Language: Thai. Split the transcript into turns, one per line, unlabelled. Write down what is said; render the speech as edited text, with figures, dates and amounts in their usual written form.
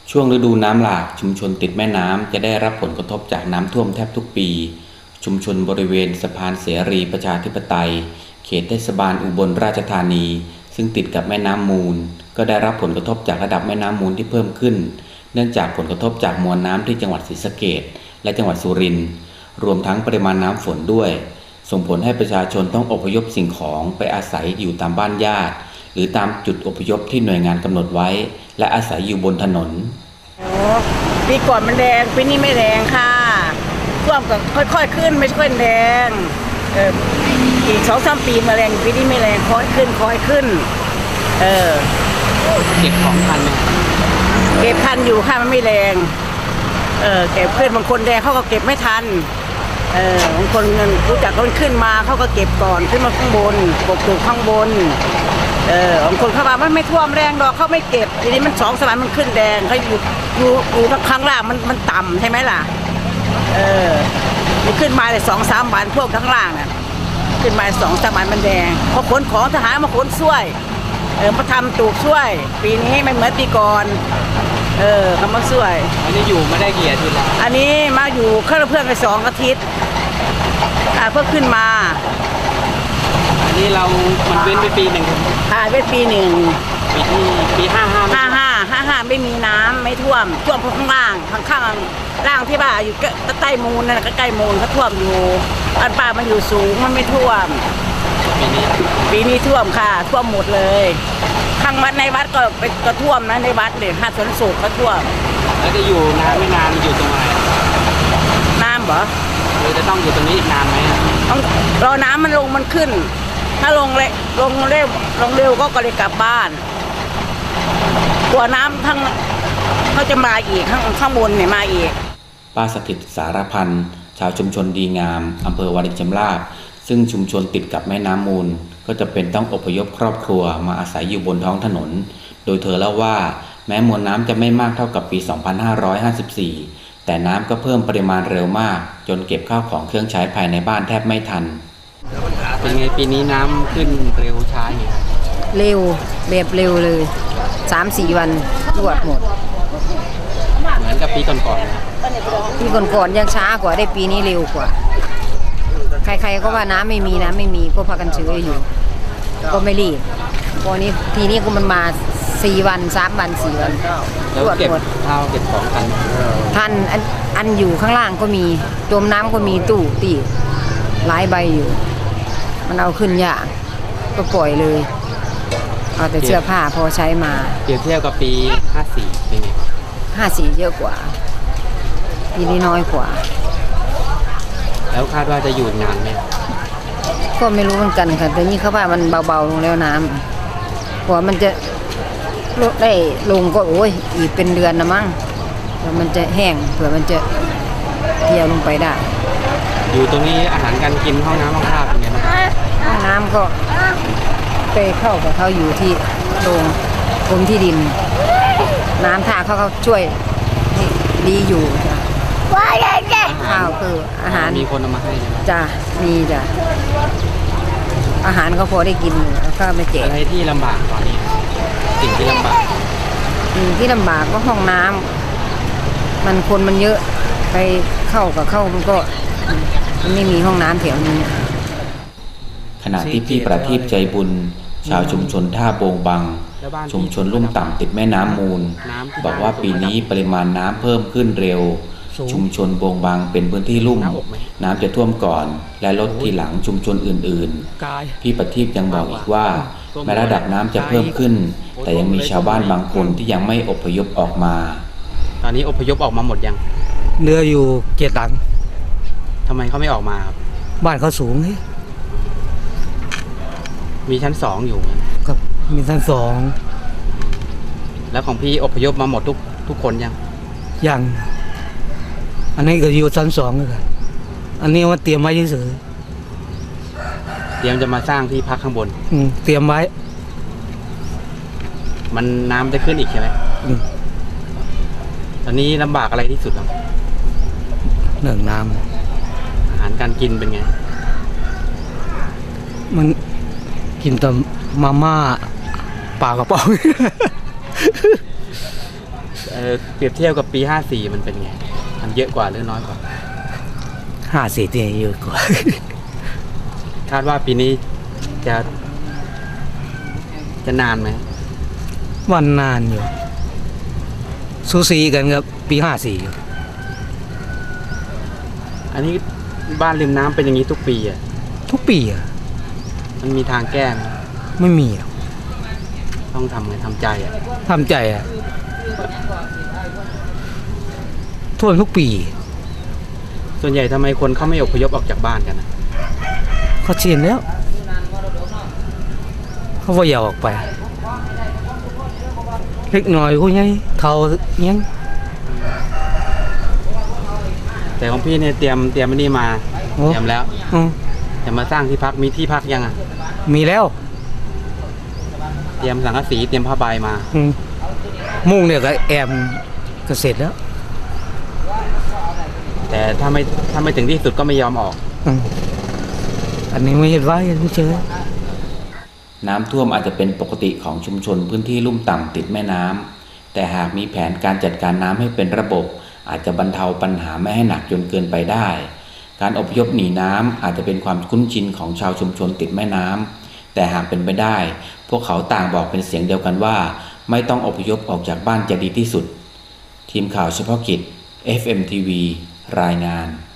ช่วงฤดูน้ำหลากชุมชนติดแม่น้ำจะได้รับผลกระทบจากน้ำท่วมแทบทุกปีชุมชนบริเวณสะพานเสรีประชาธิปไตยเขตเทศบาลอุบลราชธานีซึ่งติดกับแม่น้ำมูลก็ได้รับผลกระทบจากระดับแม่น้ำมูลที่เพิ่มขึ้นเนื่องจากผลกระทบจากมวลน้ำที่จังหวัดศรีสะเกษและจังหวัดสุรินทร์รวมทั้งปริมาณน้ำฝนด้วยส่งผลให้ประชาชนต้องอพยพสิ่งของไปอาศัยอยู่ตามบ้านญาติหรือตามจุดอพยพที่หน่วยงานกำหนดไว้และอาศัยอยู่บนถนน
ปีก่อนมันแรงปีนี้ไม่แรงค่ะท่วมก็ค่อยๆขึ้นไม่ค่อยแรงอีก2-3 ปีมาแรงปีนี้ไม่แรงค่อยขึ้น
เก็บของทันไหม
เก็บทันอยู่ค่ะมันไม่แรงเก็บขึ้นบางคนแรงเขาก็เก็บไม่ทันบางคนเงินรู้จักคนขึ้นมาเขาก็เก็บก่อนขึ้นมาข้างบนปกติข้างบนบางคนเขาว่ามันไม่ท่วมแรงดอกเขาไม่เก็บทีนี้มัน2 สมัยมันขึ้นแดงเขาอยู่ข้างล่างมันต่ำใช่ไหมล่ะมันขึ้นมาเลย2-3 วันท่วมข้างล่างน่ะขึ้นมา2-3 วันมันแดงพอขนของทหารมาขนช่วยมาทำตูกช่วยปีนี้ไม่เหมือนปีก่อนเขามาช่วย
อันนี้อยู่ไม่ได้กี่อาทิตย์แล้ว
อันนี้มาอยู่เพื่อนไป2 อาทิตย์เพิ่งขึ้นมา
อันนี้มันเว้นไปปีหนึ่ง
เว้นปีหนึ่ง
ปี
55ไม่มีน้ำไม่ท่วมข้างล่างข้างล่างที่บ้านอยู่ใต้มูลนั่นใกล้มูลเขาท่วมอยู่อันป้ามันอยู่สูงมันไม่ท่วมปีนี้ท่วมค่ะท่วมหมดเลยข้างวัดในวัดก็ท่วมนะในวัดเลยหาดสวนสุขก็ท่วม
แล้วจะอยู่นานไม่นานอยู่ตรงไหน
น้ำเหรอ
เราจะต้องอยู่ตรงนี้อีกนานไหม
ต้องรอน้ำมันลงมันขึ้นถ้าลงเร็วก็เลยกลับบ้านกลัวน้ำทั้งเขาจะมาอีกข้างบนเนี่ยมาอีก
ป้าสถิตสารพันธ์ชาวชุมชนดีงามอำเภอวารินชำราบซึ่งชุมชนติดกับแม่น้ำมูลก็จะเป็นต้องอพยพครอบครัวมาอาศัยอยู่บนท้องถนนโดยเธอเล่าว่าแม้มวลน้ำจะไม่มากเท่ากับปี 2554 แต่น้ำก็เพิ่มปริมาณเร็วมากจนเก็บข้าวของเครื่องใช้ภายในบ้านแทบไม่ทันเป็นไงปีนี้น้ำขึ้นเร็วช้าไง
เร็วแบบเร็วเลย 3-4 วันรวดหมด
เหมือนกับปีก่อน
ปีก่อนยังช้ากว่าได้ปีนี้เร็วกว่าใครๆก็ว่าน้ำไม่มีก็พากันเฉยอยู่ก็ไม่รีบพอนี้ทีนี้ก็มันมา4 วัน3 วัน4 วัน
รวดหมดข้าวเก็บของ
ทันอันอยู่ข้างล่างก็มีจมน้ำก็มีตู้ตีหลายใบอยู่มันเอาขึ้นยากก็ปล่อยเลยเอาแต่เสื้อผ้าพอใช้มา
เปรียบเทียบกับปี54เป็นไง
54เยอะกว่าปีนี้น้อยกว่า
แล้วคาดว่าจะอยู่นานไหม
ก็ไม่รู้เหมือนกันค่ะแต่นี่เขาว่ามันเบาๆลงแล้วน้ำกว่ามันจะลดได้ลงก็โอ้ยอีกเป็นเดือนนะมั้งแล้วมันจะแห้งเผื่อมันจะเที่ยวลงไปได้
อยู่ตรงนี้อาหารการกินห้องน้ำห้องท่าเป็นไงบ้าง
ห้องน้ำก็ไปเข้ากับเขาอยู่ที่โรงกรมที่ดินน้ำท่าเขาช่วยดีอยู่จ้ะข้าวคืออาหาร
มีคนเอามาให้
จ้ะมีจ้ะอาหารก็พอได้กินแล้วก็ไม่เจ็บ
อะไรที่ลำบากตอนนี้สิ่งที่ลำบาก
ก็ห้องน้ำมันเยอะไปเข้ามันก็มันไม่มีห้องน้ำแถวนี้
ขณะที่พี่ประทีปใจบุญชาวชุมชนท่าโบงบังชุมชนลุ่มต่ำติดแม่น้ำมูลบอกว่าปีนี้ปริมาณน้ำเพิ่มขึ้นเร็วชุมชนโบงบังเป็นพื้นที่ลุ่มน้ำจะท่วมก่อนและลดทีหลังชุมชนอื่นๆพี่ประทีปยังบอกอีกว่าแม้ระดับน้ำจะเพิ่มขึ้นแต่ยังมีชาวบ้านบางคนที่ยังไม่อพยพออกมาตอนนี้อพยพออกมาหมดยัง
เรืออยู่7 หลัง
ทำไมเขาไม่ออกมาครับ
บ้านเขาสูงนี่
มีชั้น2อยู่
ครับมีชั้น
2แล้วของพี่อพยพมาหมดทุกคน
ยังอันนี้ก็อยู่ชั้น2เลยครับอันนี้ว่าเตรียมไว้เฉย
เตรียมจะมาสร้างที่พักข้างบน
เตรียมไว้
มันน้ำจะขึ้นอีกใช่ไหมตอนนี้ลำบากอะไรที่สุดครับ
เรื่องน้
ำอาหารการกินเป็นไง
มันกินแต่มาม่าปลากระป๋อง
เปรียบเทียบกับปี54มันเป็นไงมันเยอะกว่าหรือน้อยกว่า
54เนี่ยเยอะกว่า
คาดว่าปีนี้จะนานไหม
วันนานอยู่สูสีกันครับปี54อยู่
อันนี้บ้านริมน้ำเป็นอย่างนี้ทุกปีอ่ะ
ทุกปีอ่ะ
มันมีทางแก้ไหม
ไม่มีอ่ะ
ต้องทำไงทำใจอ่ะ
ทำใจอ่ะท่วมทุกปี
ส่วนใหญ่ทำไมคนเขาไม่อพยพออกจากบ้านกันนะ
เขาเชียนแล้วเขาว่าอย่าออกไปเล็กน้อยกูยังเท่ายัง
แต่ของพี่เนี่ยเตรียมอันนี้มาเตรียมแล้ว
อืม
จะมาสร้างที่พักมีที่พักยังอ่ะ
มีแล้ว
เตรียมสังกะสีเตรียมผ้าใบมา
อืมมุ่งเนี่ยก็แอมก็เสร็จแล้ว
แต่ถ้าไม่ถึงที่สุดก็ไม่ยอมออก
อืมอันนี้ไม่เห็นว่ายังไม่เจอ
น้ำท่วมอาจจะเป็นปกติของชุมชนพื้นที่ลุ่มต่ำติดแม่น้ำแต่หากมีแผนการจัดการน้ำให้เป็นระบบ อาจจะบรรเทาปัญหาไม่ให้หนักจนเกินไปได้ การอพยพหนีน้ำอาจจะเป็นความคุ้นชินของชาวชุมชนติดแม่น้ำแต่หากเป็นไปได้ พวกเขาต่างบอกเป็นเสียงเดียวกันว่าไม่ต้องอพยพออกจากบ้านจะดีที่สุดทีมข่าวเฉพาะกิจ FMTV รายงาน